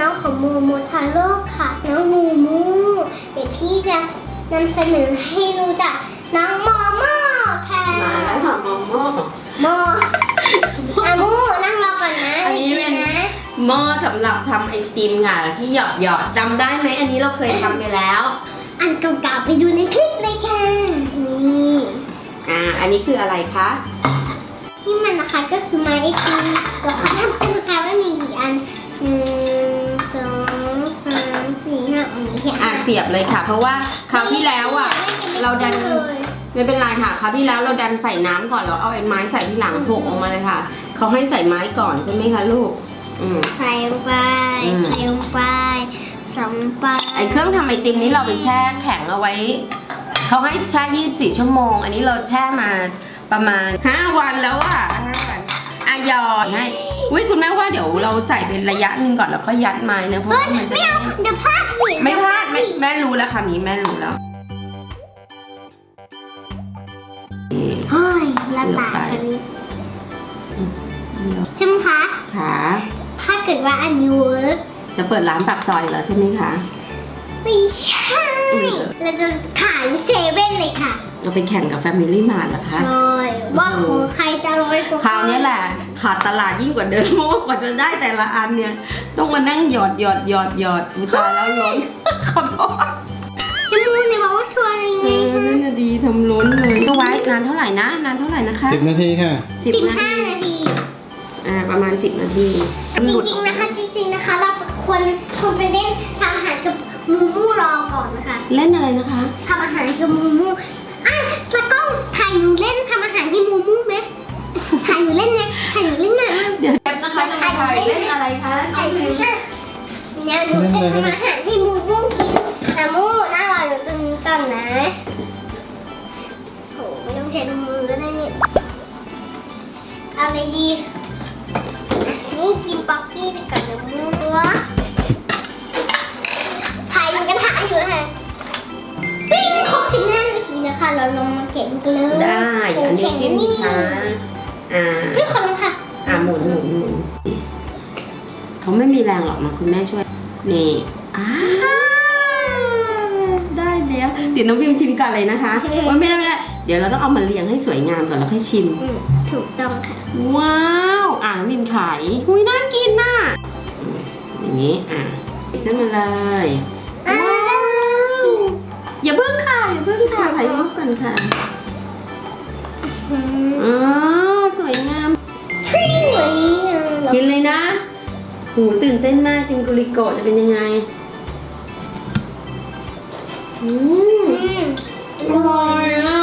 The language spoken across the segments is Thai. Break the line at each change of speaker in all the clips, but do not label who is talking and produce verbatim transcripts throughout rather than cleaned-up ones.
น้องของมูมูทาโร่ค่ะน้องมูมูเดี๋ยวพี่จะนำเสนอให้รู้จักน้องโมโม่ค่ะ
มาแล้วค่ะโมโม่
โมอามูนั่งรอก่อนนะ
อันนี้เป็น
นะ
หม้อสำหรับทำไอติมค่ะที่หยอดหยอดจำได้ไหมอันนี้เราเคยทำไปแล้ว
อันเก่าๆไปดูในคลิปเลยค่ะนี่
อ่าอันนี้คืออะไรคะ
ที่มันนะคะก็คือไม้ไอติมแล้วเขาทำเป็นนะคะว่ามีกี่อันหนึ่งสองสามสี่ห้าอันนี้ค่ะ
อ่ะเสียบเลยค่ะ เพราะว่าคราวที่แล้วอ่ะเราดันไม่เป็นไรค่ะคราวที่แล้วเราดันใส่น้ำก่อนเราเอาไอ้ไม้ใส่ที่หลังโขกออกมาเลยค่ะเขาให้ใส่ไม้ก่อนใช่ไหมคะลูกอืม
ใส่ลงไป
อืม
ใส่ลงไปสองไป
ไอ้เครื่องทำไอติมนี้เราไปแช่แข็งเอาไว้เขาให้แช่ยี่สิบสี่ชั่วโมง อันนี้เราแช่มาประมาณห้าวันแล้วอ่ะห้าวันอ่ะหยอดให้อุ้ยคุณแม่ว่าเดี๋ยวเราใส่เป็นระยะหนึ่งก่อนแล้วก็ยัดไม้นะเพราะว่ามันจะ
ไม่เอาเดี๋ยวพลาดอีก
ไม่พลาด
เยว
แม่
อีก
แม่รู้แล้วค่ะนี้แม่รู้แล้ว
เฮ้ยละลายอันนี้ใช่ไหมคะ
ค่ะ
ถ้าเกิดว่าอันนี้เวิร์ก
จะเปิดร้านปากซอยเหรอใช่ไหมคะ
ไม่ใช่ เราจะขายเซเว่นเลยค่ะ
เราไปแข่งกับ Family Mart เหรอคะ
ใช่ว่าของใครจะอร่อยกว่า
คราวนี้แหละขาดตลาดยิ่งกว่าเดิมเพราะว่ากว่าจะได้แต่ละอันเนี่ยต้องมานั่งหยอดหยอดหยอดหยอดอุยตายแล้วล้น ขอโทษ
พี่มูเนี่ยบอกว่าชวนอะไร
เอ
ไง
อนั่นน่ะดีทำล้นเลยก็ไว้นานเท่าไหร่นะนานเท่าไหร่นะคะ
สิบนาทีค่ะ
สิบ
สิบ
นา
ห้า
ที
นาที
อ่าประมาณสิบนาที
จริงๆนะคะจริงๆนะคะ เราควรควรไปเล่นทำอาหารกับมูมูรอก่อนนะคะ
เล่นอะไรนะคะ
ทำอาหารกับมูมูอ่ะตะกล้องถ่ายหนูเล่นทำอาหารให้มูมูไหมถ่ายหนูเล่นไหมถ่ายหนูเล่นหน่อยมั้ย
เดี๋ยวแป๊บนะคะจะมาถ่ายเล่นอะไรคะ
ถ่ายหนูเล่นเนี่ยหนูจะทำอาหารให้มูมูกินแต่มูน่ารออยู่ตรงนี้ก่อนนะโหไม่ต้องใช้มือก็ได้เนี่ยเอาอะไรดีอ่ะนี่กินป๊อกกี้ไปก่อนนะมูตัวถ่ายหนูกระทะอยู่ค่ะปิ้งครบสิบห้านาทีนะคะเราลงมาเก็บกันเลย
ได้อันนี้จิ้มช้าอ่า
พี่ขอลงค่ะ
อ่าหมุนหมุนหมุนเขาไม่มีแรงหรอกนะคุณแม่ช่วยนี่อ่าได้แล้วเดี๋ยวน้องพิมชิมก่อนเลยนะคะว่าไม่ได้ไม่ได้เดี๋ยวเราต้องเอามาเรียงให้สวยงามก่อนแล้วค่อยชิม
อืมถูกต้องค่ะ
ว้าวอ่าพิมขายหุยน่ากินน่ะอืมอย่างนี้อ่ะปิดขึ้นมาเลยว้าวอย่าเพิ่งค่ะอย่าเพิ่งค่ะถ่ายรูปก่อนค่ะ
อืม
อ๋อสวยงาม
สวยอ่ะ
กินเลยนะหูตื่นเต้นมากกินกุลิโกะจะเป็นยังไง อืม
อืม
อร่อยอ่ะ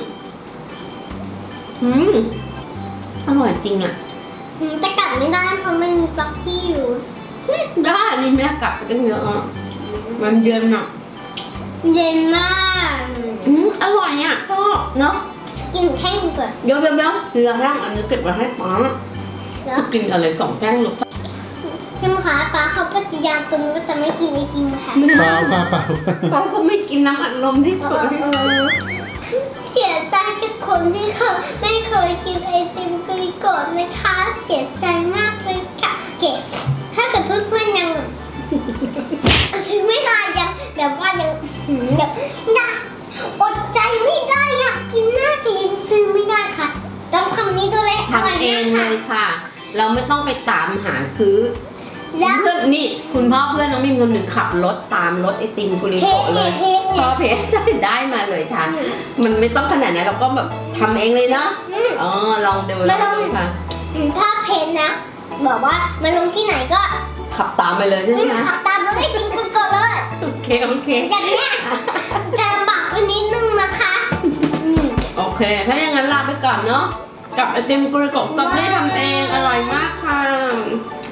อืม อร่อยจริงอ่ะ
อืมแต่กลับไม่ได้เพราะมันมีบล็อกที่อยู่
ได้นี่แม่กลับไปตั้งเยอะอ่ะ มันเย็นอ่ะ
เย็นมาก
อืม อร่อยอ่ะ ชอบเนาะ
กินแห้งดีกว่า
เดี๋ยวเดี๋ยวเดี๋ยวเกลือแห้งอันนี้เก็บไว้ให้ป้า
แล้ว
จะกินอะไรสองแท่งหรอก
ใช่ไหมคะป้าเขาปฏิญาณตนว่าจะไม่กินไอติมค่ะ
ไม่
เปล่าเปล่าเปล่า
ป้าเขาไม่กินน้ำอัดลมที่สวย
เออเสียใจกับคนที่เขาไม่เคยกินไอติมกลิโกะนะคะ เสียใจมากเลยค่ะเก๋ถ้าเกิดเพื่อนๆยังซื้อไม่ได้ยังแบบว่ายังหืมแบบอยากอดใจไม่ได้อยากกินมากแต่ยังซื้อไม่ได้ค่ะต้องคำนี้ตัวเล็ก
ทำเองเลยค่ะ เราไม่ต้องไปตามหาซื้อ
แล้ว
เพื่อนนี่คุณพ่อเพื่อนน้องมิมคนหนึ่งขับรถตามรถไอติมกุลิ
เพล
โกะ
ง
เล
เนี่ย
ย
เพลง
พ
เนี่
อย เพจจะได้มาเลยค่ะ มันไม่ต้องขนาดนั้นเราก็แบบทำเองเลยเนาะ
อืม
อ๋อลองดูลองดูค่ะ
อืมถ้าเพนนะบอกว่ามาลงที่ไหนก็
ขับตามไปเลยใช่ไหม
อืม
คะ
ขับตามรถไอติมคุณก่อนเลย
โอเคโอเค
แบบเนี้ยจะลำบากไปนิดนึงนะคะอืม
โอเค ถ้าอย่างนั้นลาไปก่อนเนาะกับไอติมกุลิโกะสตรอเบอรี่ทำเองอร่อยมากค่ะ